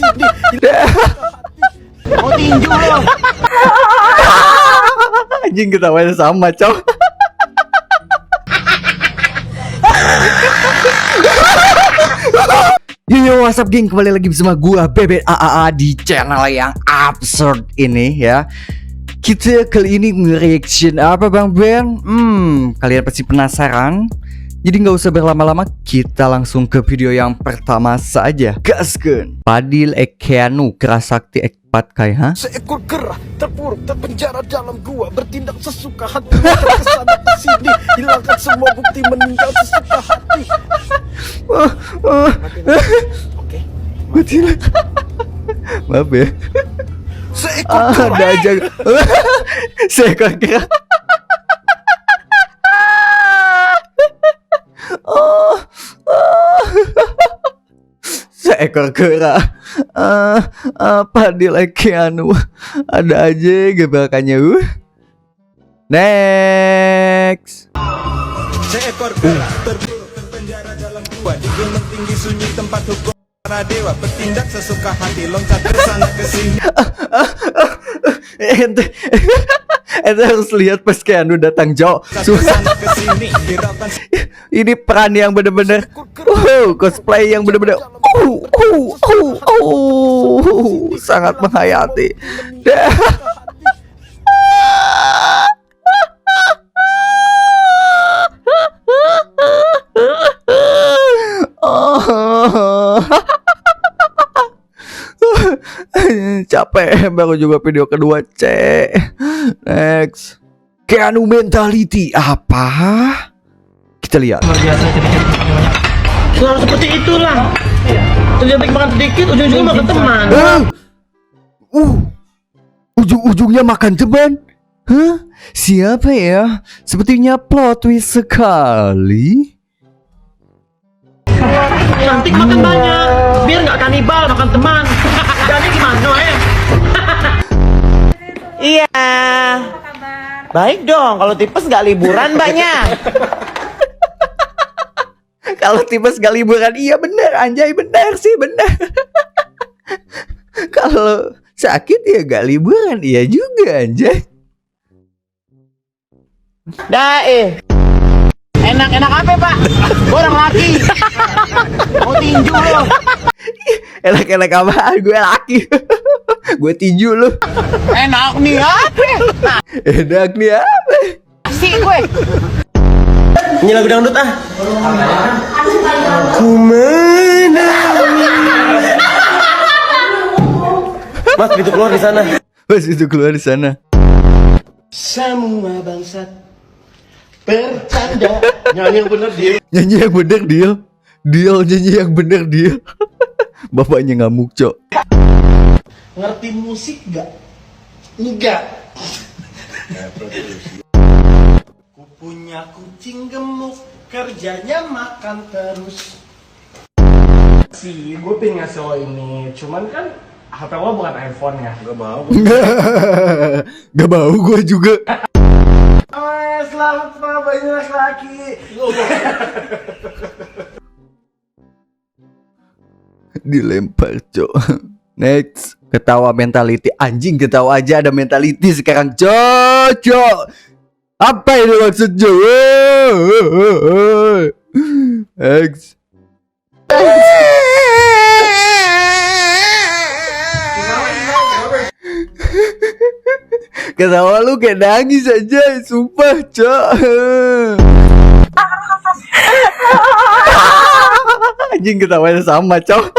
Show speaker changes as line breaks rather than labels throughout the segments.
sini. Mau tinju lo.
Anjing ketawanya sama, cok. Yo, what's up geng, kembali lagi bersama gua Bebek AAA di channel yang absurd ini ya. Kita kali ini nge-reaction apa Bang Ben? Kalian pasti penasaran. Jadi nggak usah berlama-lama, kita langsung ke video yang pertama saja. Gaskeun. Fadil Ekeanu Kerasakti Ekpatkai, ha?
Seekor kera terpuruk terpenjara dalam gua, bertindak sesuka hati, terkesana ke sini, hilangkan semua bukti, meninggal sesuka hati. Oke.
Betul. Maaf ya.
Seekor kera.
Ada aja. Seekor kera. Seekor kera. Fadil Ekeanu. Ada aja gebrakannya. Next.
Seekor kera terpuruk terpenjara dalam gua, di gunung tinggi sunyi tempat hukum para dewa, bertindak sesuka hati, loncat ke sana ke sini.
Ente harus lihat pas Keanu datang, Jo. Ini peran yang bener-bener cosplay yang bener-bener sangat menghayati. Capek, baru juga video kedua, cek. Next. Keanu mentality apa? Kita lihat.
Selalu seperti itulah. Terjadi makan sedikit, ujung-ujungnya makan teman.
Ujung-ujungnya makan teman. Hah? Siapa ya? Sepertinya plot twist sekali.
Cantik makan banyak, biar nggak kanibal makan teman. Jadi gimana
Iya. Baik dong, kalau tipes nggak liburan mbaknya.
Kalau tipes gak liburan, iya bener, anjay, bener sih, bener. Kalau sakit ya gak liburan, iya juga, anjay.
Enak-enak apa pak? Gua orang laki. Mau tinju lo.
Enak-enak apaan, gue laki. Gue tinju lu.
Enak nih apa?
Enak nih apa?
Asik gue.
Ini lagu dangdut ah.
Kumana?
Mas itu keluar di sana.
Mas itu keluar di sana.
Semua bangsat bercanda. Nyanyi yang bener dia.
Nyanyi yang bener dia. Nyanyi yang bener dia. Bapaknya ngamuk, Cok.
Ngerti musik gak? Enggak. Ku punya kucing gemuk, kerjanya makan terus. Gue pengen ngasih lo ini, cuman kan HP lo bukan iPhone ya. Gak mau.
Gak mau gue juga.
Selamat banyak laki-laki.
Dilempar, Cok. Next. Ketawa mentality. Anjing, ketawa aja ada mentality sekarang, Cok. Apa ini maksudnya? Next. Ketawa lu kayak nangis aja, sumpah, Cok. Anjing, ketawanya sama, Cok.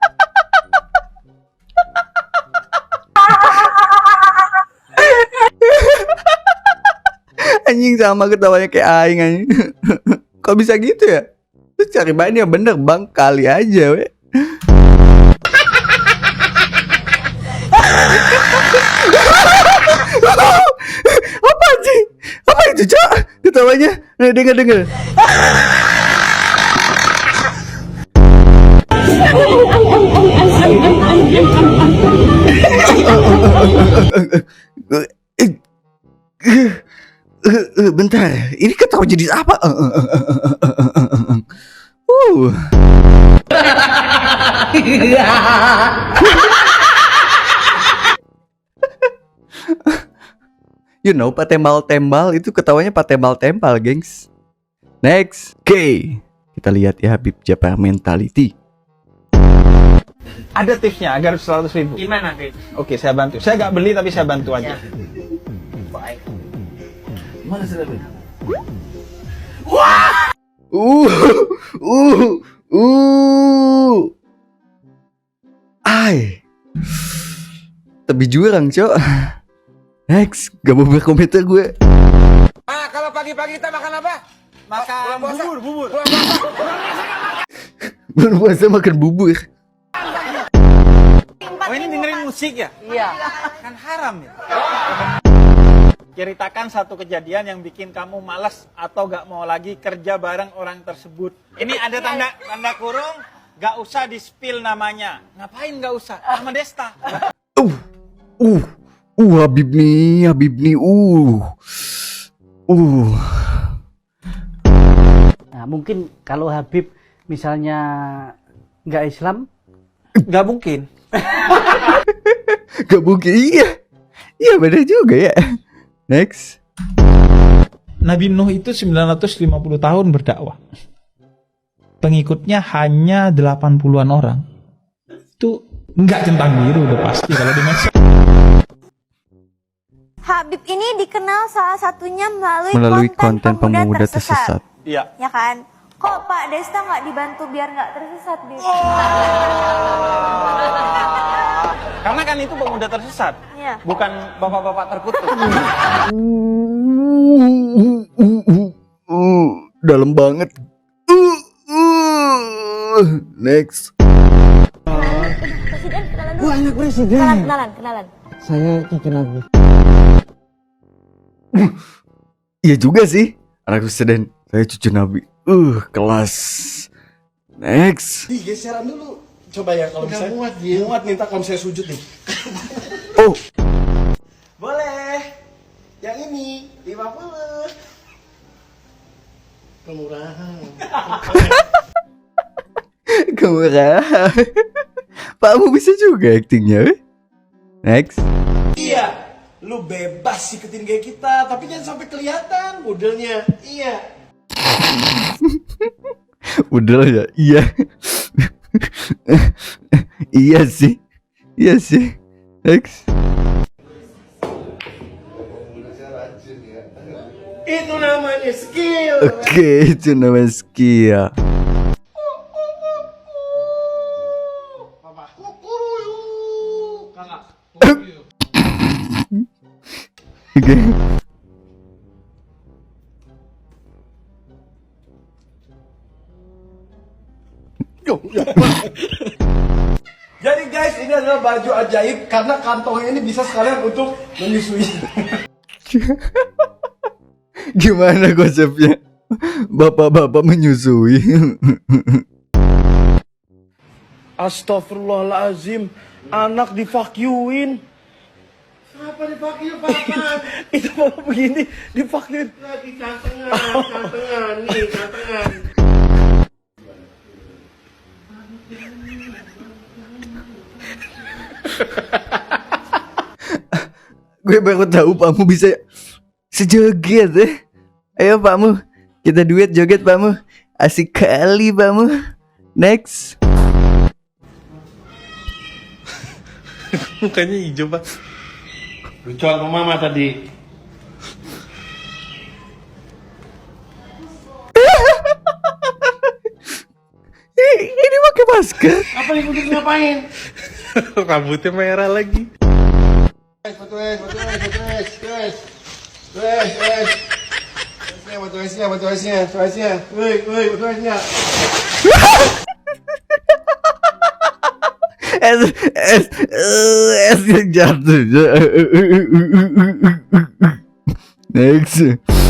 Anjing sama ketawanya kayak aing anjing. Kok bisa gitu ya? Terus cari bahan yang bener bang, kali aja we. Apa anjing? Apa itu, Cok? Ketawanya? Nih, denger. Bentar, ini ketawa jadi apa? You know, Pak Tembal-Tembal itu ketawanya Pak Tembal-Tembal, gengs. Next. Oke. Kita lihat ya Habib Jabbar Mentality.
Ada tipsnya agar 100.000.
Gimana, Fit?
Oke, saya bantu. Saya nggak beli tapi saya bantu aja.
Uh. Ai. Tapi jurang, Cok. Next, gak mau berkomentar gue.
Ah, kalau pagi-pagi kita makan apa? Makan bubur.
Bulan puasa makan bubur.
Oh, ini dengerin musik ya? Iya. Kan haram ya? Ceritakan satu kejadian yang bikin kamu malas atau gak mau lagi kerja bareng orang tersebut. Ini ada tanda kurung, gak usah di-spill namanya. Ngapain gak usah? Sama Desta.
Habib nih.
Nah, mungkin kalau Habib misalnya nggak Islam,
Gak mungkin.
Gak mungkin, iya benar juga ya. Next.
Nabi Nuh itu 950 tahun berdakwah. Pengikutnya hanya 80-an orang. Itu nggak centang biru udah pasti kalau di medsos.
Habib ini dikenal salah satunya
Melalui konten pemuda tersesat.
Iya.
Ya kan? Kok Pak Desta nggak dibantu biar nggak tersesat, Bib?
Karena kan itu pemuda tersesat,
Iya.
bukan bapak-bapak terkutuk.
Dalam banget. Next.
Presiden kenalan dulu.
Anak presiden.
Kenalan.
Saya kenal.
Iya juga sih. Anak presiden. Saya cucu Nabi. Kelas. Next.
Geseran dulu. Coba ya kalau bisa. Muat minta kalau saya sujud nih.
Oh.
Boleh. Yang ini 50. Kemurahan.
Kemurahan. Pakmu bisa juga aktingnya. Next.
Iya. Lu bebas ikutin gaya kita, tapi jangan sampai kelihatan modelnya. Iya.
Udah ya. Iya. Iya sih. Next.
Itu namanya skill.
Oke, itu namanya skill. Oke.
Jadi guys, ini adalah baju ajaib karena kantongnya ini bisa sekalian untuk menyusui.
Gimana konsepnya? Bapak-bapak menyusui.
Astagfirullahalazim, anak divakyuin.
Kenapa dipakai Pak?
Itu malah begini, divakyuin.
Lagi cantengan, nih cantengan.
Gue baru tahu Pakmu bisa sejoget ya. Ayo Pakmu, kita duet joget Pakmu. Asik kali Pakmu. Next.
Mukanya hijau Pak. Lucuan sama Mama tadi.
Ini pakai masker.
Apa nih Putri ngapain? Rambutnya merah lagi. Foto es. Foto esnya. Woi, foto esnya.
Es yang jatuh. Next.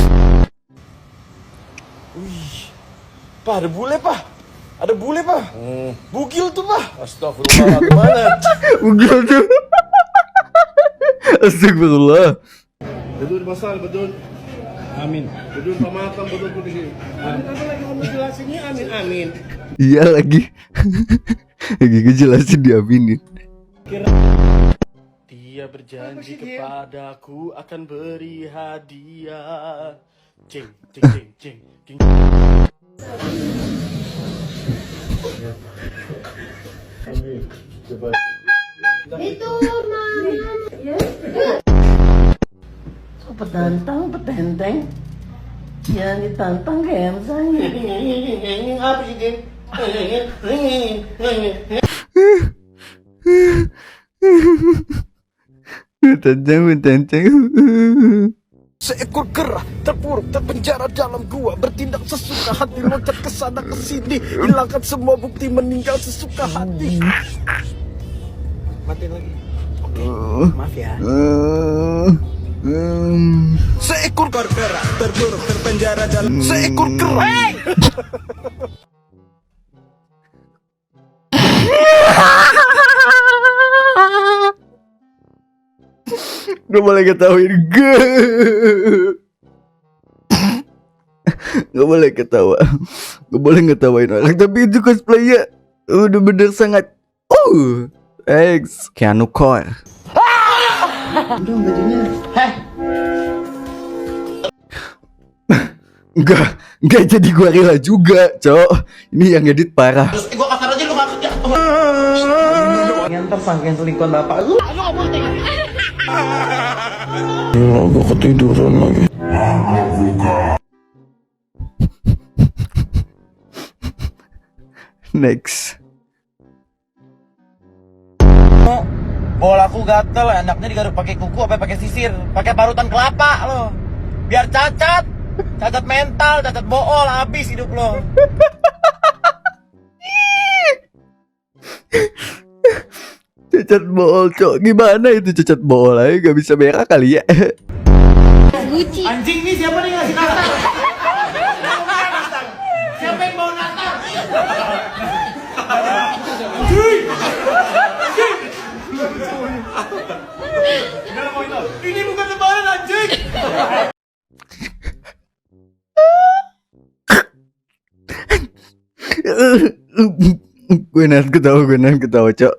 Pak, ada bule pak. Ada bule pak. Bugil tuh pak. Astagfirullah, gimana?
Bugil tuh. Astagfirullah.
Betul, Basal, betul. Amin. Duduk sama matam betul-betul di sini. Apa lagi ngomong jelasinnya amin amin.
Iya lagi. Lagi ngejelasin diaminin.
Dia berjanji kepadaku akan beri hadiah. Cing, cing, cing, cing, cing.
Itu mama.
Petantang, petenteng. Yang ditantang kemsang. Apa sih, Jin?
Tentang.
Seekor kera terpuruk terpenjara dalam gua, bertindak sesuka hati, loncat ke sana ke sini, hilangkan semua bukti, meninggal sesuka hati. Matiin lagi. Oke. Maaf ya.
Seekor kera terpuruk terpenjara dalam
Seekor kera.
Gak boleh ketawain gue. Gak boleh ketawa. Gak boleh ngetawain orang. Tapi itu cosplaynya udah bener sangat X Keanu Core. Enggak jadi gorila juga, Cok. Ini yang edit parah.
Gua kasar aja lu gak kerja. Nganter sangkain selingkuhan bapak lu.
Gue ketiduran lagi.
Next.
Bolaku gatel, anaknya digaruk pakai kuku apa pakai sisir, pakai parutan kelapa lo. Biar cacat mental, cacat bool, habis hidup lo.
Cacat bool, Cok. Gimana itu cacat bool aja gak bisa merah kali ya.
Anjing nih siapa nih ngasih natar? Siapa yang bawa natar? Ini bukan lebaran anjing.
Gue nahan ketawa, Cok.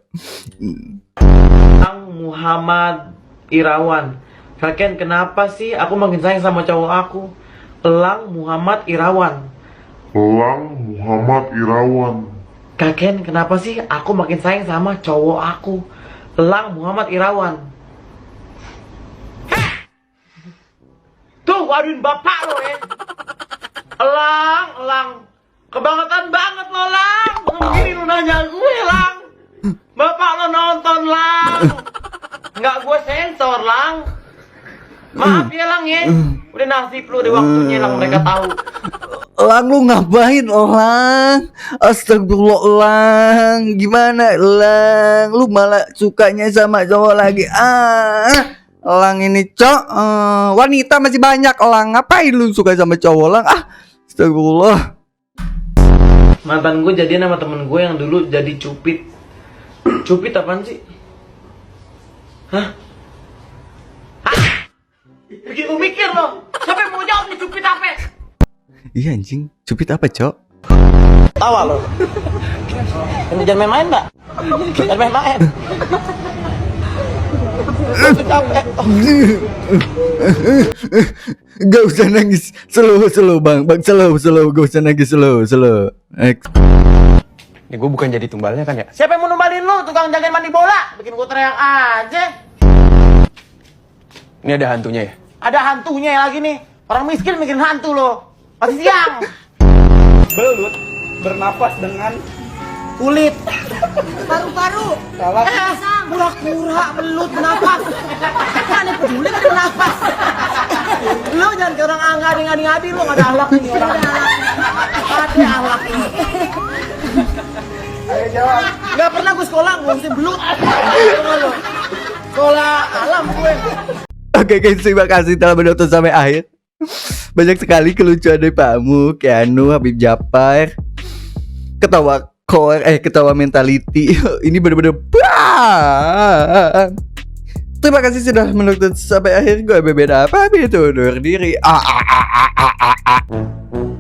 Muhammad Irawan. Kakek kenapa sih aku makin sayang sama cowok aku? Elang Muhammad Irawan. Kakek kenapa sih aku makin sayang sama cowok aku? Elang Muhammad Irawan. Tuh, waduin bapak lo ya. Elang. Kebangetan banget lo, Lang. Begini lu nanya gue, Lang. Bapak lo nonton, Lang. Nggak gue sensor, Lang. Maaf ya, Lang ya. Udah nasib lu, udah waktunya, Lang. Mereka tahu.
Lang, lu ngapain, Lang? Astagfirullah, Lang. Gimana, Lang? Lu malah sukanya sama cowok lagi. Lang ini, Cok. Wanita masih banyak, Lang. Ngapain lu suka sama cowok, Lang? Astagfirullah.
Mantan gue jadian sama temen gue yang dulu jadi cupid. Cupid apaan sih? Hah? Bikin lu mikir lo. Siapa yang mau jawab nih cupid apa?
Iya anjing, cupid apa, Cok?
Tawa lo. Jangan main-main, Mbak. Jangan main-main.
Gak usah nangis. Slow bang slow. Gak usah nangis, slow.
Ini gue bukan jadi tumbalnya kan ya?
Siapa yang mau numbalin lu? Tukang jagain mandi bola. Bikin gue teriak aja.
Ini ada hantunya ya?
Ada hantunya lagi nih. Orang miskin mikirin hantu lo. Masih siang.
Belut bernapas dengan
Kulit.
Paru-paru.
Kura-kura belut bernapas. Kan yang peduli kan bernapas. Lu jangan ke orang ngadi-ngadi lu, gak ada akhlak nih orang. Ada akhlak ini. Ayo jawab. Gak pernah gue sekolah ngurusin belut. Sekolah alam gue.
Oke guys, terima kasih telah menonton sampai akhir. Banyak sekali kelucuan dari Pakmu, Keanu, Habib Japar, ketawa mentality. Ini bener-bener Terima kasih sudah menonton sampai akhir. Gue berbeda apa itu undur diri.